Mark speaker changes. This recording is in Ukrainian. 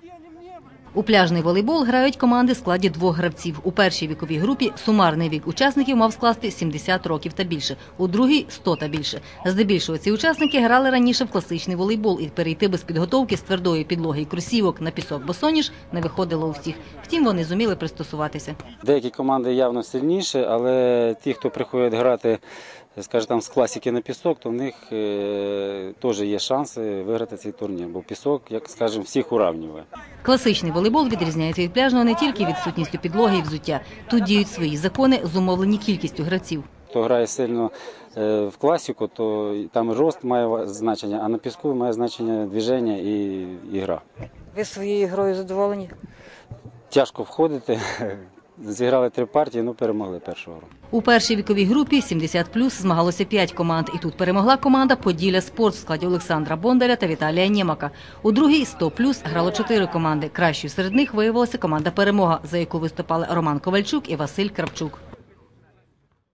Speaker 1: У пляжний волейбол грають команди в складі 2 гравців. У першій віковій групі сумарний вік учасників мав скласти 70 років та більше, у другій – 100 та більше. Здебільшого ці учасники грали раніше в класичний волейбол, і перейти без підготовки з твердої підлоги і кросівок на пісок босоніж не виходило у всіх. Втім, вони зуміли пристосуватися.
Speaker 2: Деякі команди явно сильніші, але ті, хто приходять грати, скажімо, з класики на пісок, то в них теж є шанси виграти цей турнір, бо пісок, як скажімо, всіх урівнює.
Speaker 1: Класичний волейбол відрізняється від пляжного не тільки відсутністю підлоги і взуття. Тут діють свої закони, зумовлені кількістю гравців.
Speaker 2: Хто грає сильно в класику, то там рост має значення, а на піску має значення движення і гра.
Speaker 3: Ви своєю грою задоволені?
Speaker 2: Тяжко входити. Зіграли 3 партії, перемогли першого року.
Speaker 1: У першій віковій групі 70+, змагалося 5 команд. І тут перемогла команда «Поділля Спорт» в складі Олександра Бондаря та Віталія Нємака. У другій 100+, грало 4 команди. Кращою серед них виявилася команда «Перемога», за яку виступали Роман Ковальчук і Василь Кравчук.